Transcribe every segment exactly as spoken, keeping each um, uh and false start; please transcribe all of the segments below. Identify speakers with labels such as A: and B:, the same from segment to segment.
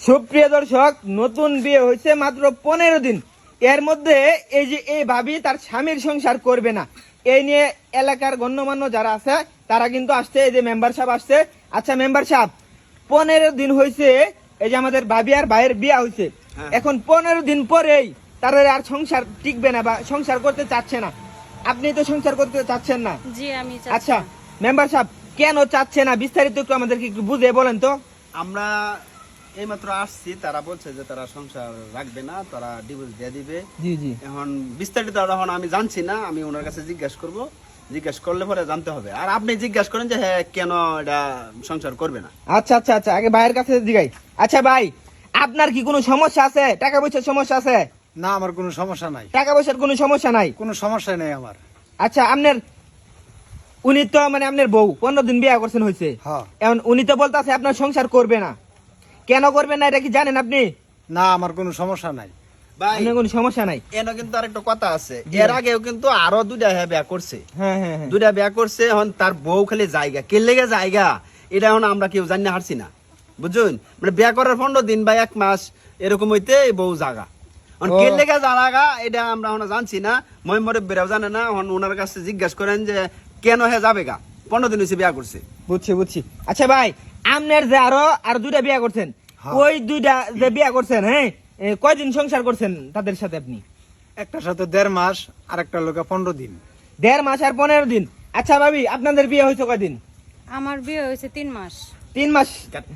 A: সুপ্রিয় দর্শক, নতুন বিয়ে হয়েছে মাত্র পনেরো দিন, এর মধ্যে এই যে এই ভাবি তার স্বামীর সংসার করবে না, এই নিয়ে এলাকার গণ্যমান্য যারা আছে তারা কিন্তু আসছে। এই যে মেম্বার সাহেব আসছে। আচ্ছা মেম্বার সাহেব, পনেরো দিন হয়েছে এই যে আমাদের ভাবি আর ভাইয়ের বিয়ে হয়েছে, এখন পনেরো দিন পরেই তারা আর সংসার টিকবে না বা সংসার করতে চাচ্ছে না। আপনি তো সংসার করতে চাচ্ছেন না?
B: জি আমি
A: আচ্ছা মেম্বার সাহেব, কেন চাচ্ছে না বিস্তারিত একটু আমাদেরকে একটু বুঝে বলেন তো।
C: আমরা এইমাত্র আসছি, তারা বলছে যে তারা সংসার রাখবে না, তারা ডিভোর্স দিয়ে দিবে।
A: জি জি।
C: এখন বিস্তারিত এখন আমি জানছি না, আমি ওনার কাছে জিজ্ঞাসা করব, জিজ্ঞাসা করলে পরে জানতে হবে। আর আপনি জিজ্ঞাসা করেন যে হ্যাঁ কেন এটা সংসার করবে না।
A: আচ্ছা আচ্ছা আচ্ছা, আগে ভাইয়ের কাছে জিগাই। আচ্ছা ভাই, আপনার কি কোনো সমস্যা আছে? টাকা পয়সার সমস্যা আছে?
D: না, আমার কোনো সমস্যা নাই।
A: টাকা পয়সার কোনো সমস্যা নাই?
D: কোনো সমস্যা নেই আমার।
A: আচ্ছা আপনার উনি তো মানে আপনার বউ পনেরো দিন বিয়ে করছেন হয়েছে,
D: হ্যাঁ।
A: এখন উনি তো বলতেছে আপনার সংসার করবে না, কেন করবে না এটা কি জানেন আপনি?
D: না, আমার কোনো সমস্যা নাই।
C: ভাই
A: আপনার কোনো সমস্যা নাই?
C: এনে কিন্তু আরেকটা কথা আছে, এর আগেও কিন্তু আরো দুইটা হ্যাঁ বিয়া করছে,
A: হ্যাঁ হ্যাঁ হ্যাঁ।
C: দুইটা বিয়া করছে। এখন তার বউ খালি জায়গা কে লেগে জায়গা, এটা এখন আমরা কেউ জানি হারছি না, বুঝুন। মানে বিয়া করার পনেরো দিন বা এক মাস এরকম হইতে এই বউ জায়গা, এখন কে লেগে জায়গা এটা আমরা এখন জানছি না, মই মরে বেরাও জানে না। এখন ওনার কাছে জিজ্ঞাসা করেন যে কেন হ্যাঁ যাবে গা, পনেরো দিন হয়েছে বিয়া করছে।
A: বুঝছি বুঝছি। আচ্ছা ভাই, আপনার যে আরো আর দুইটা বিয়ে করছেন, ওই দুইটা যে বিয়ে করছেন, হ্যাঁ এ, কয়দিন সংসার করছেন তাদের সাথে আপনি?
D: একটার সাথে দেড় মাস আর একটা লোকে পনেরো দিন।
A: দেড় মাস আর পনেরো দিন। আচ্ছা ভাবি, আপনাদের বিয়ে হয়েছে কয়দিন?
B: আমার বিয়ে হয়েছে তিন মাস।
A: তিন মাস।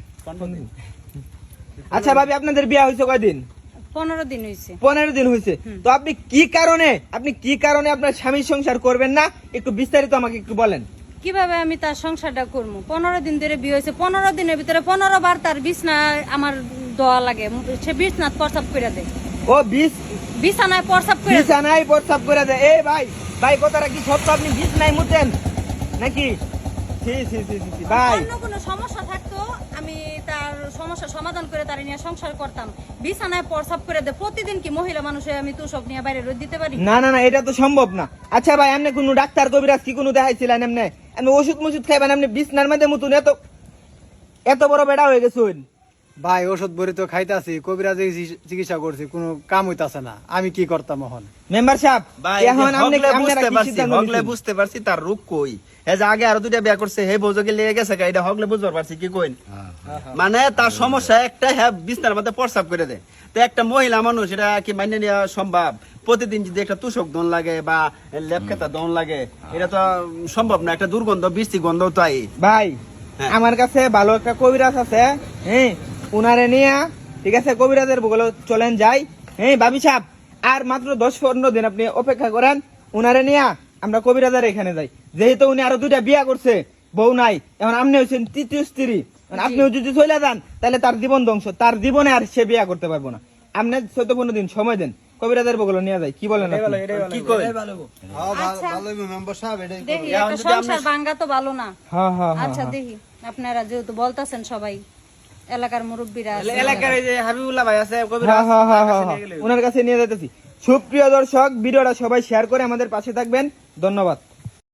A: আচ্ছা ভাবি, আপনাদের বিয়ে হয়েছে কয়দিন?
B: পনেরো দিন হয়েছে।
A: পনেরো দিন হয়েছে। তো আপনি কি কারণে আপনি কি কারণে আপনার স্বামীর সংসার করবেন না, একটু বিস্তারিত আমাকে একটু বলেন।
B: কিভাবে আমি তার সংসারটা করবো? পনেরো দিন ধরে বিয়ে হয়েছে, পনেরো দিনের ভিতরে পনেরো বার তার বিছনা আমার দোয়া লাগে, সে বিছনাথ প্রসাব করে দেয়।
A: ও বিষ
B: বিছানায় প্রসাব করে দেয়।
A: বিছানায় প্রস্তাব করে দেয়? এই ভাই ভাই, কথাটা কি সত্য? আপনি বিষ নাই মুতেন নাকি? ছি ছি ছি ছি ছি, ভাই
B: অন্য কোনো সমস্যা থাকতো আমি তার সমস্যার সমাধান করে তার নিয়ে সংসার করতাম। বিছানায় প্রসাব করে দেয় প্রতিদিন, কি মহিলা মানুষে আমি তো সব নিয়ে বাইরে রোদ দিতে পারি?
A: না না না, এটা তো সম্ভব না। আচ্ছা ভাই, আপনি কোনো ডাক্তার কবিরাজ কি কোনো দেখাইছিলেন? এমনি আপনি ওষুধ মুষুধ খাইবেন, আপনি বিছনার মধ্যে মুতুন, এত এত বড় বেড়া হয়ে গেছেন।
D: ভাই ওষুধ বড়ি তো খাইতাছি, কবিরাজে চিকিৎসা করছি, কোনো কাম হইতাছে না, আমি কি করতাম এখন?
A: মেম্বার সাহেব,
C: ভাই
A: এখন আপনি
C: হগলে
A: আপনারা
C: বুঝতে
A: কি
C: পারছি,
A: সিদ্ধান্ত
C: হগলে
A: নিছেন?
C: বুঝতে পারছি তার রূপ কই। হে যে আগে আরো দুইটা বিয়া করছে, হে বউজকে লেগে গেছে গা, এটা হগলে বুঝতে পারছি কি কইন। মানে তার সমস্যা একটা, হ্যাঁ বিছনার মধ্যে প্রস্রাব করে দেয়। তো একটা মহিলা মানুষ এটা কি মাইনে নেওয়া সম্ভব? প্রতিদিন যদি একটা তুষক দন লাগে বা লেপ খেতা দন লাগে, এটা তো সম্ভব না। একটা দুর্গন্ধ, বৃষ্টি গন্ধ তো আই।
A: ভাই
C: হ্যাঁ।
A: আমার কাছে ভালো একটা কবিরাজ আছে, হ্যাঁ উনারে নিয়ে, ঠিক আছে, কবিরাজের বগলে চলেন যাই। হ্যাঁ ভাবি সাহেব, আর মাত্র দশ পনেরো দিন আপনি অপেক্ষা করেন, উনারে নিয়ে আমরা কবিরাজের এখানে যাই। যেহেতু উনি আরো দুইটা বিয়া করছে, বউ নাই, এখন আপনি হচ্ছেন তৃতীয় স্ত্রী, আপনিও যদি চলে যান তাহলে তার জীবন ধ্বংস, তার জীবনে আর সে বিয়া করতে পারবো না। আপনি চোদ্দ পনেরো দিন সময় দেন, কবিরাজের বগলে নিয়ে যাই। কি বলেন আপনি?
C: কি কই?
B: আচ্ছা, দেখি একটা সংসার ভাঙ্গা তো ভালো না।
A: হ্যাঁ হ্যাঁ হ্যাঁ।
B: আচ্ছা দেখি, আপনারা যেহেতু বলতাছেন সবাই এলাকার মুরব্বীরা আছে।
A: এলাকার এই যে হাবিবুল্লাহ ভাই আছে, কবিরাজ, ওনার কাছে নিয়ে যাইতেছি। সুপ্রিয় দর্শক, ভিডিওটা সবাই শেয়ার করে আমাদের পাশে থাকবেন। ধন্যবাদ।